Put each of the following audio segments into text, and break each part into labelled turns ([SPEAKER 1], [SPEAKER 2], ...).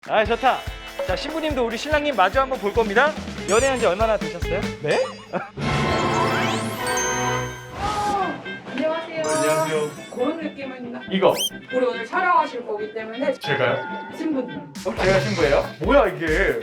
[SPEAKER 1] 아, 좋다. 자, 신부님도 우리 신랑님 마주 한번 볼 겁니다. 연애한 지 얼마나 되셨어요? 네?
[SPEAKER 2] 안녕하세요.
[SPEAKER 1] 안녕하세요.
[SPEAKER 2] 그런 느낌은
[SPEAKER 1] 이거
[SPEAKER 2] 우리 오늘 촬영하실 거기 때문에
[SPEAKER 1] 제가요?
[SPEAKER 2] 신부님.
[SPEAKER 1] 제가 신부예요? 뭐야 이게?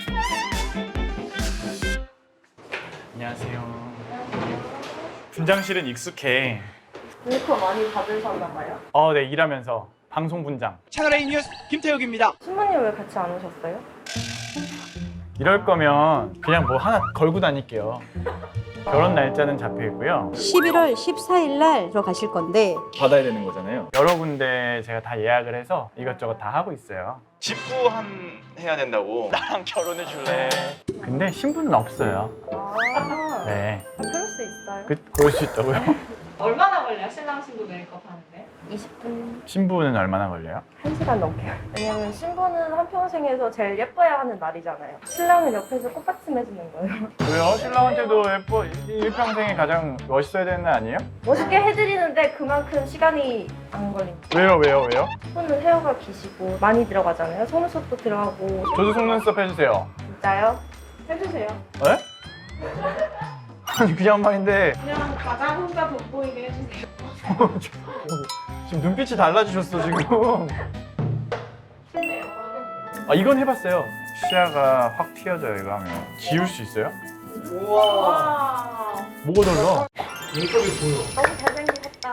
[SPEAKER 1] 안녕하세요. 분장실은 익숙해.
[SPEAKER 3] 메이크업 많이 받으셨나 봐요?
[SPEAKER 1] 네, 일하면서 방송 분장. 채널A 뉴스 김태욱입니다.
[SPEAKER 3] 신부님 왜 같이 안 오셨어요?
[SPEAKER 1] 이럴 거면 그냥 뭐 하나 걸고 다닐게요. 결혼 날짜는 잡혀 있고요.
[SPEAKER 4] 11월 14일 날로 가실 건데
[SPEAKER 1] 받아야 되는 거잖아요. 여러 군데 제가 다 예약을 해서 이것저것 다 하고 있어요. 집구함 해야 된다고. 나랑 결혼해 줄래? 근데 신부는 없어요.
[SPEAKER 3] 아,
[SPEAKER 1] 네.
[SPEAKER 3] 그럴 수 있어요.
[SPEAKER 1] 그럴 수 있다고요?
[SPEAKER 2] 얼마나 걸려요? 신랑 신부 메이크업 하는데?
[SPEAKER 3] 20분,
[SPEAKER 1] 신부는 얼마나 걸려요?
[SPEAKER 3] 1시간 넘게요. 왜냐면 신부는 한평생에서 제일 예뻐야 하는 날이잖아요. 신랑은 옆에서 꽃받침 해주는 거예요.
[SPEAKER 1] 왜요? 신랑한테도 예뻐, 일평생에 가장 멋있어야 되는 날 아니에요?
[SPEAKER 3] 멋있게 해드리는데 그만큼 시간이 안 걸립니다.
[SPEAKER 1] 왜요?
[SPEAKER 3] 신부는 헤어가 기시고 많이 들어가잖아요. 속눈썹도 들어가고.
[SPEAKER 1] 저도 속눈썹 해주세요.
[SPEAKER 3] 진짜요?
[SPEAKER 2] 해주세요.
[SPEAKER 1] 네? 아니 그냥 말인데
[SPEAKER 2] 그냥 가장 혼자 돋보이게 해주세요.
[SPEAKER 1] 지금 눈빛이 달라지셨어 지금.
[SPEAKER 2] 네.
[SPEAKER 1] 아 이건 해봤어요. 시야가 확 튀어져요 이거 하면. 지울 수 있어요?
[SPEAKER 2] 와.
[SPEAKER 1] 뭐가 달라?
[SPEAKER 3] 너무 잘생기셨다.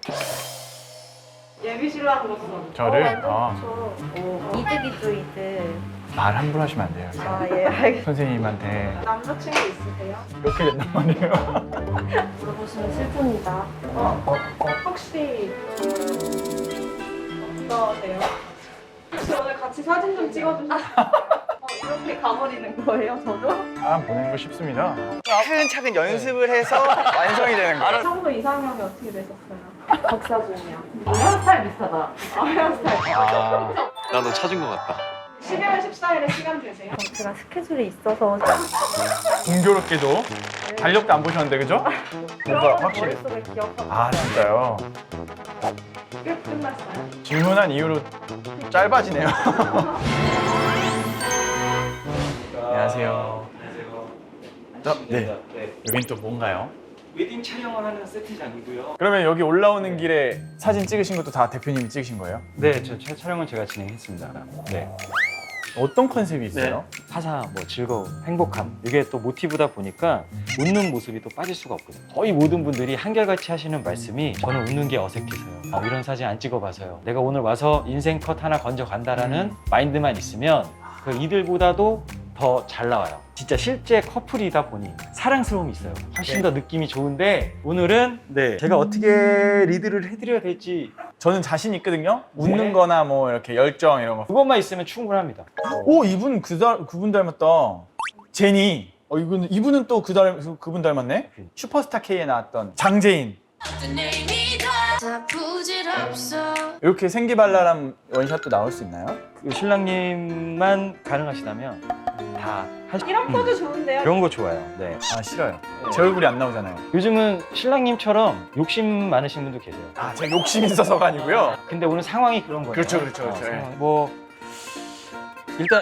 [SPEAKER 2] 예비 신랑으로서.
[SPEAKER 1] 저를?
[SPEAKER 3] 완전 좋죠. 이득이죠, 이득.
[SPEAKER 1] 말 함부로 하시면 안 돼요.
[SPEAKER 3] 아, 예, 알겠습니다.
[SPEAKER 1] 선생님한테
[SPEAKER 2] 남자친구 있으세요?
[SPEAKER 1] 이렇게 된단 말이에요.
[SPEAKER 3] 물어보시면 슬픕니다.
[SPEAKER 2] 혹시 어떠세요? 혹시 오늘 같이 사진 좀 찍어주세요.
[SPEAKER 3] 이렇게 가버리는 거예요, 저도?
[SPEAKER 1] 사람 보내는 거 쉽습니다. 차근차근 연습을 해서 완성이 되는 거예요.
[SPEAKER 2] 평소 이상형이 어떻게 되셨어요?
[SPEAKER 3] 박사준이요. 헤어스타일 비슷하다.
[SPEAKER 2] 헤어스타일.
[SPEAKER 1] 아,
[SPEAKER 5] 나도 찾은 것 같다.
[SPEAKER 2] 12월 14일에 시간 되세요?
[SPEAKER 3] 제가 스케줄이 있어서
[SPEAKER 1] 공교롭게도 달력도 안 보셨는데 그죠? 뭔가 확실히.
[SPEAKER 3] 머릿속에 기억하고
[SPEAKER 1] 아 진짜요?
[SPEAKER 2] 끝났어요.
[SPEAKER 1] 질문한 이후로 짧아지네요. 안녕하세요. 네. 여긴 또 뭔가요?
[SPEAKER 6] 웨딩 촬영을 하는 세트장이고요.
[SPEAKER 1] 그러면 여기 올라오는 길에 사진 찍으신 것도 다 대표님이 찍으신 거예요?
[SPEAKER 6] 네, 촬영은 제가 진행했습니다. 네.
[SPEAKER 1] 어떤 컨셉이 있어요?
[SPEAKER 6] 화사, 즐거움, 행복함. 이게 또 모티브다 보니까 웃는 모습이 또 빠질 수가 없거든요. 거의 모든 분들이 한결같이 하시는 말씀이 저는 웃는 게 어색해서요. 이런 사진 안 찍어봐서요. 내가 오늘 와서 인생 컷 하나 건져 간다라는 마인드만 있으면 그 이들보다도 더 잘 나와요. 진짜 실제 커플이다 보니 사랑스러움이 있어요. 훨씬 더 느낌이 좋은데 오늘은 제가 어떻게 리드를 해드려야 될지
[SPEAKER 1] 저는 자신 있거든요. 웃는
[SPEAKER 6] 네.
[SPEAKER 1] 거나 뭐 이렇게 열정 이런 거.
[SPEAKER 6] 그것만 있으면 충분합니다.
[SPEAKER 1] 오 이분 그분 닮았다. 제니. 이분은 또 그분 닮았네. 슈퍼스타 K에 나왔던 장재인. 이렇게 생기발랄한 원샷도 나올 수 있나요?
[SPEAKER 6] 그 신랑님만 가능하시다면 다 하시.
[SPEAKER 2] 이런 포즈 좋은데요?
[SPEAKER 6] 이런 거 좋아요. 네.
[SPEAKER 1] 아 싫어요. 제 얼굴이 안 나오잖아요.
[SPEAKER 6] 요즘은 신랑님처럼 욕심 많으신 분도 계세요.
[SPEAKER 1] 아 제가 욕심 있어서가 아니고요.
[SPEAKER 6] 근데 오늘 상황이 그런 거예요.
[SPEAKER 1] 그렇죠.
[SPEAKER 6] 일단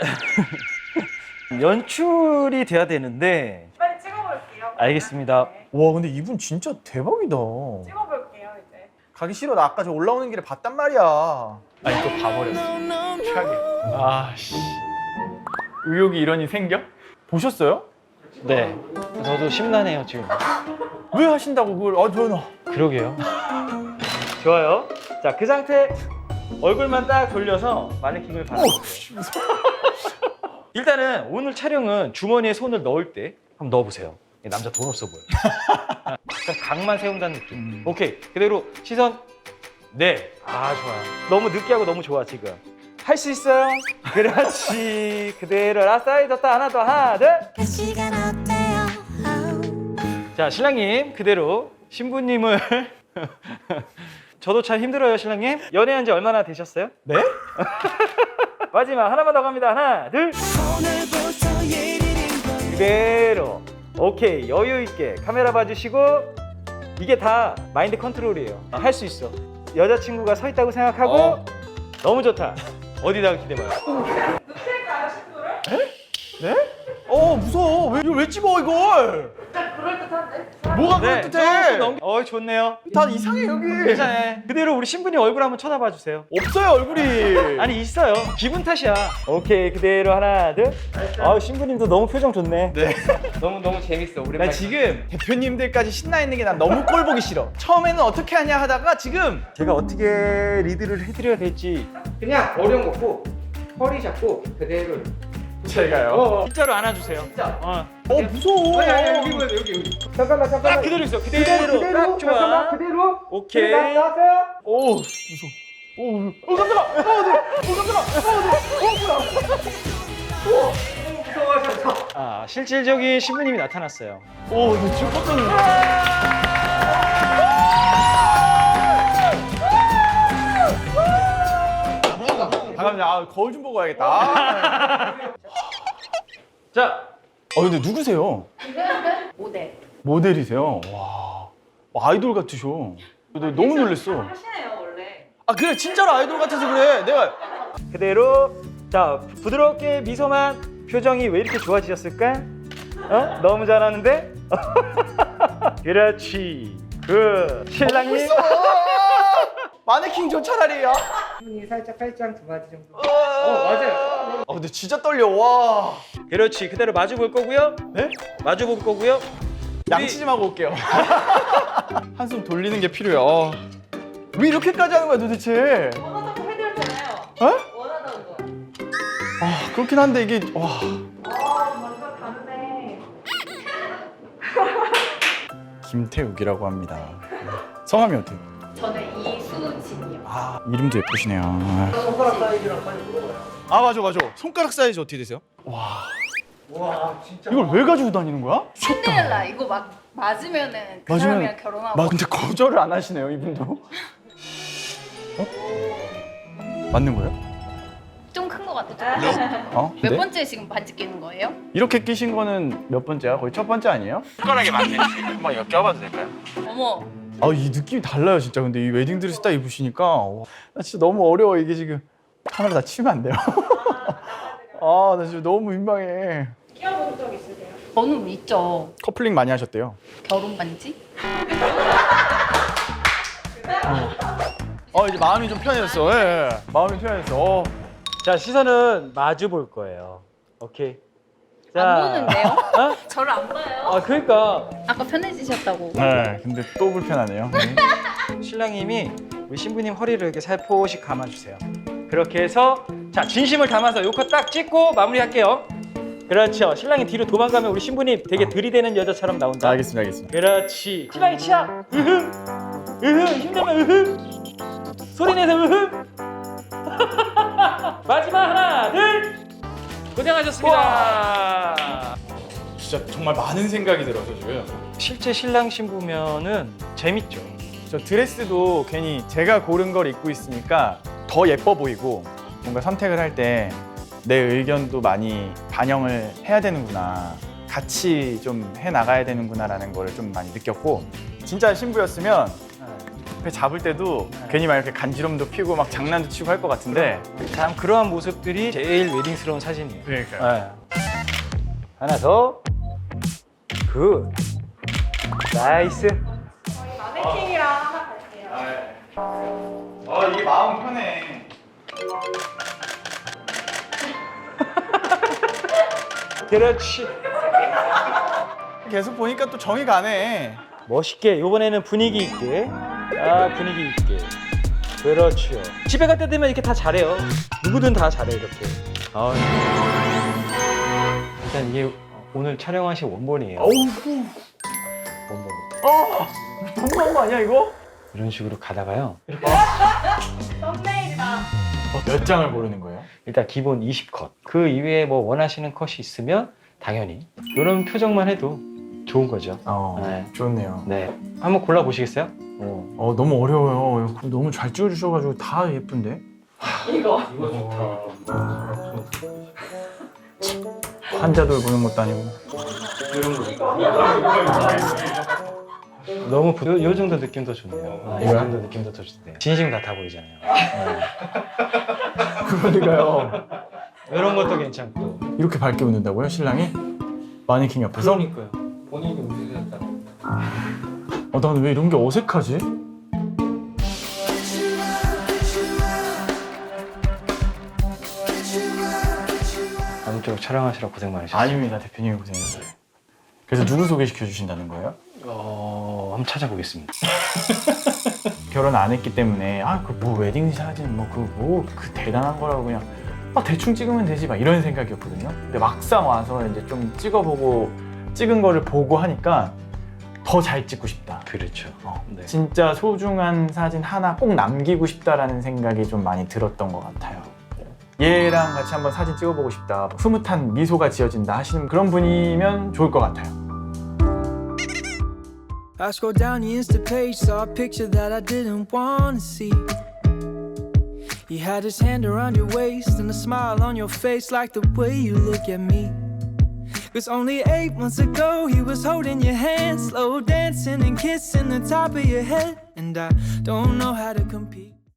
[SPEAKER 6] 연출이 돼야 되는데.
[SPEAKER 2] 빨리 찍어볼게요.
[SPEAKER 6] 알겠습니다.
[SPEAKER 2] 네.
[SPEAKER 1] 와 근데 이분 진짜 대박이다.
[SPEAKER 2] 찍어볼게요, 이제.
[SPEAKER 1] 가기 싫어. 나 아까 저 올라오는 길에 봤단 말이야. 아니 또 봐버렸어. 최악이야. 아씨. 의욕이 이러니 생겨? 보셨어요?
[SPEAKER 6] 네. 저도 심란해요 지금.
[SPEAKER 1] 왜 하신다고 그걸? 저는
[SPEAKER 6] 그러게요. 좋아요. 자, 그 상태 얼굴만 딱 돌려서 마네킹을 받아. 일단은 오늘 촬영은 주머니에 손을 넣을 때 한번 넣어보세요. 남자 돈 없어 보여. 약간 각만 세운다는 느낌. 오케이. 그대로 시선. 네. 아, 좋아요. 너무 느끼하고 너무 좋아, 지금. 할 수 있어요. 그렇지. 그대로 라스트 졌다. 하나 더. 하나, 둘. 자, 신랑님 그대로 신부님을 저도 참 힘들어요, 신랑님. 연애한 지 얼마나 되셨어요?
[SPEAKER 1] 네?
[SPEAKER 6] 마지막 하나만 더 갑니다. 하나, 둘. 그대로. 오케이. 여유 있게 카메라 봐주시고. 이게 다 마인드 컨트롤이에요. 할 수 있어. 여자친구가 서 있다고 생각하고. 너무 좋다. 어디다가 기대봐요.
[SPEAKER 2] 눕힐까요?
[SPEAKER 1] 왜 찍어 이걸?
[SPEAKER 3] 그럴듯한데?
[SPEAKER 1] 뭐가
[SPEAKER 6] 네,
[SPEAKER 1] 그럴듯해?
[SPEAKER 6] 좋네요.
[SPEAKER 1] 다 이상해 여기.
[SPEAKER 6] 괜찮아요. 그대로 우리 신부님 얼굴 한번 쳐다봐 주세요.
[SPEAKER 1] 없어요 얼굴이.
[SPEAKER 6] 아니 있어요. 기분 탓이야. 오케이 그대로 하나 둘. 신부님도 너무 표정 좋네.
[SPEAKER 1] 네.
[SPEAKER 5] 너무 재밌어.
[SPEAKER 1] 나
[SPEAKER 5] 오랜만에.
[SPEAKER 1] 지금 대표님들까지 신나 있는 게 난 너무 꼴 보기 싫어. 처음에는 어떻게 하냐 하다가 지금
[SPEAKER 6] 제가 어떻게 리드를 해드려야 될지
[SPEAKER 5] 그냥 어려운 거고 허리 잡고 그대로.
[SPEAKER 1] 제가요.
[SPEAKER 6] 진짜로 안아주세요. 진짜.
[SPEAKER 1] 무서워.
[SPEAKER 5] 아니, 여기. 잠깐만.
[SPEAKER 6] 그대로 있어. 그대로. 딱 좋아.
[SPEAKER 5] 잠깐만 그대로.
[SPEAKER 6] 오케이.
[SPEAKER 5] 나왔어요.
[SPEAKER 1] 오 무서워. 오 깜짝아.
[SPEAKER 6] 실질적인 신부님이 나타났어요.
[SPEAKER 1] 오 이거 지금 깜짝 놀랐어. 잠깐만요. 거울 좀 보고 와야겠다.
[SPEAKER 6] 자,
[SPEAKER 1] 근데 누구세요?
[SPEAKER 3] 모델.
[SPEAKER 1] 모델이세요? 와, 아이돌 같으셔. 너무 놀랬어.
[SPEAKER 2] 하시네요 원래.
[SPEAKER 1] 아 그래 진짜로 아이돌 같아서 그래. 내가
[SPEAKER 6] 그대로. 자, 부드럽게 미소만. 표정이 왜 이렇게 좋아지셨을까? 너무 잘하는데? 그렇지. 신랑님.
[SPEAKER 1] 마네킹 저 차라리야.
[SPEAKER 5] 손이 살짝 팔짱 두 마디 정도.
[SPEAKER 1] 맞아요. 근데 진짜 떨려. 와.
[SPEAKER 6] 그렇지. 그대로 마주 볼 거고요.
[SPEAKER 1] 네?
[SPEAKER 6] 마주 볼 거고요.
[SPEAKER 1] 양치 좀 하고 올게요. 한숨 돌리는 게 필요해요. 왜 이렇게까지 하는 거야 도대체?
[SPEAKER 2] 원하다고 해드렸잖아요.
[SPEAKER 1] 어?
[SPEAKER 2] 원하다는 거.
[SPEAKER 1] 그렇긴 한데 이게 와.
[SPEAKER 2] 완전 다르네.
[SPEAKER 1] 김태욱이라고 합니다. 성함이 어때요?
[SPEAKER 3] 저는 이수진이요.
[SPEAKER 1] 이름도 예쁘시네요.
[SPEAKER 5] 손가락 사이즈랑 빨리 물어봐요.
[SPEAKER 1] 맞아. 손가락 사이즈 어떻게 되세요?
[SPEAKER 5] 와 진짜.
[SPEAKER 1] 이걸 왜 가지고 다니는 거야?
[SPEAKER 7] 신데렐라 이거 막 맞으면은 그
[SPEAKER 1] 맞으면-
[SPEAKER 7] 사람이랑 결혼하고
[SPEAKER 1] 근데 거절을 안 하시네요 이분도. 맞는 거예요?
[SPEAKER 7] 좀 큰 거 같아.
[SPEAKER 1] 몇
[SPEAKER 7] 몇 번째 지금 반지 끼는 거예요?
[SPEAKER 1] 이렇게 끼신 거는 몇 번째야? 거의 첫 번째 아니에요? 손가락에 맞네. 한번 이거 껴봐도 될까요?
[SPEAKER 7] 어머
[SPEAKER 1] 이 느낌이 달라요 진짜. 근데 이 웨딩 드레스 딱 입으시니까 나 진짜 너무 어려워. 이게 지금 카메라 다 치면 안 돼요. 나 지금 너무 민망해.
[SPEAKER 2] 끼워본 적 있으세요?
[SPEAKER 7] 저는 있죠.
[SPEAKER 1] 커플링 많이 하셨대요.
[SPEAKER 7] 결혼 반지?
[SPEAKER 1] 이제 마음이 좀 편해졌어. 예. 마음이 편해졌어.
[SPEAKER 6] 자, 시선은 마주 볼 거예요. 오케이.
[SPEAKER 7] 안 보는데요?
[SPEAKER 6] 어?
[SPEAKER 7] 저를 안 봐요.
[SPEAKER 6] 그러니까
[SPEAKER 7] 아까 편해지셨다고.
[SPEAKER 1] 네. 근데 또 불편하네요.
[SPEAKER 6] 신랑님이 우리 신부님 허리를 이렇게 살포시 감아주세요. 그렇게 해서 자 진심을 담아서 요거 딱 찍고 마무리할게요. 그렇죠. 신랑이 뒤로 도망가면 우리 신부님 되게 들이대는 여자처럼 나온다.
[SPEAKER 1] 알겠습니다.
[SPEAKER 6] 그렇지. 신랑이 치아. 힘내면 소리 내서 마지막 하나 둘. 고생하셨습니다.
[SPEAKER 1] 진짜 정말 많은 생각이 들어서 지금.
[SPEAKER 6] 실제 신랑 신부면은 재밌죠.
[SPEAKER 1] 저 드레스도 괜히 제가 고른 걸 입고 있으니까 더 예뻐 보이고 뭔가 선택을 할 때 내 의견도 많이 반영을 해야 되는구나. 같이 좀 해 나가야 되는구나라는 걸 좀 많이 느꼈고 진짜 신부였으면 배 잡을 때도 괜히 막 이렇게 간지럼도 피고 막 장난도 치고 할 것 같은데
[SPEAKER 6] 참 그러한 모습들이 제일 웨딩스러운 사진이에요.
[SPEAKER 1] 그러니까요.
[SPEAKER 6] 하나 더. 굿. 나이스.
[SPEAKER 2] 마네킹이랑 하나 갈게요.
[SPEAKER 1] 이게 마음 편해.
[SPEAKER 6] 그렇지.
[SPEAKER 1] 계속 보니까 또 정이 가네.
[SPEAKER 6] 멋있게 이번에는 분위기 있게. 분위기 있게. 그렇죠. 집에 갈 때 되면 이렇게 다 잘해요. 누구든 다 잘해 이렇게. 일단 이게 오늘 촬영하신 원본이에요. 원본.
[SPEAKER 1] 너무한 거 아니야 이거?
[SPEAKER 6] 이런 식으로 가다가요.
[SPEAKER 2] 썸네일이다.
[SPEAKER 1] 몇 장을 고르는 거예요?
[SPEAKER 6] 일단 기본 20컷. 그 이외에 뭐 원하시는 컷이 있으면 당연히 이런 표정만 해도 좋은 거죠. 네.
[SPEAKER 1] 좋네요.
[SPEAKER 6] 네. 한번 골라 보시겠어요?
[SPEAKER 1] 너무 어려워요. 너무 잘 찍어주셔가지고 다 예쁜데?
[SPEAKER 2] 이거.
[SPEAKER 1] 환자들 보는 것도 아니고.
[SPEAKER 6] 너무 요 정도 느낌도 좋네요. 이
[SPEAKER 1] 이거요?
[SPEAKER 6] 정도 느낌도 더 좋네요. 진심 같아 보이잖아요.
[SPEAKER 1] 그러니까요.
[SPEAKER 6] 이런 것도 괜찮고.
[SPEAKER 1] 이렇게 밝게 웃는다고요, 신랑이? 마네킹 옆에서?
[SPEAKER 6] 그러니까요. 본인이 움직였다.
[SPEAKER 1] 나는 왜 이런 게 어색하지?
[SPEAKER 6] 아무쪼록 촬영하시라 고생 많으셨어요.
[SPEAKER 1] 아닙니다, 대표님이 고생했어요. 그래서 누구 소개시켜 주신다는 거예요?
[SPEAKER 6] 한번 찾아보겠습니다.
[SPEAKER 1] 결혼 안 했기 때문에 그 뭐 웨딩 사진 그 대단한 거라고 그냥 대충 찍으면 되지 막 이런 생각이었거든요. 근데 막상 와서 이제 좀 찍은 거를 보고 하니까 더 잘 찍고 싶다.
[SPEAKER 6] 그렇죠. 네.
[SPEAKER 1] 진짜 소중한 사진 하나 꼭 남기고 싶다라는 생각이 좀 많이 들었던 것 같아요. 얘랑 같이 한번 사진 찍어보고 싶다, 흐뭇한 미소가 지어진다 하시는 그런 분이면 좋을 것 같아요.
[SPEAKER 8] I scrolled down the Insta page, saw a picture that I didn't want to see. He had his hand around your waist and a smile on your face like the way you look at me. 'Cause only 8 months ago he was holding your hand, slow dancing and kissing the top of your head. And I don't know how to compete.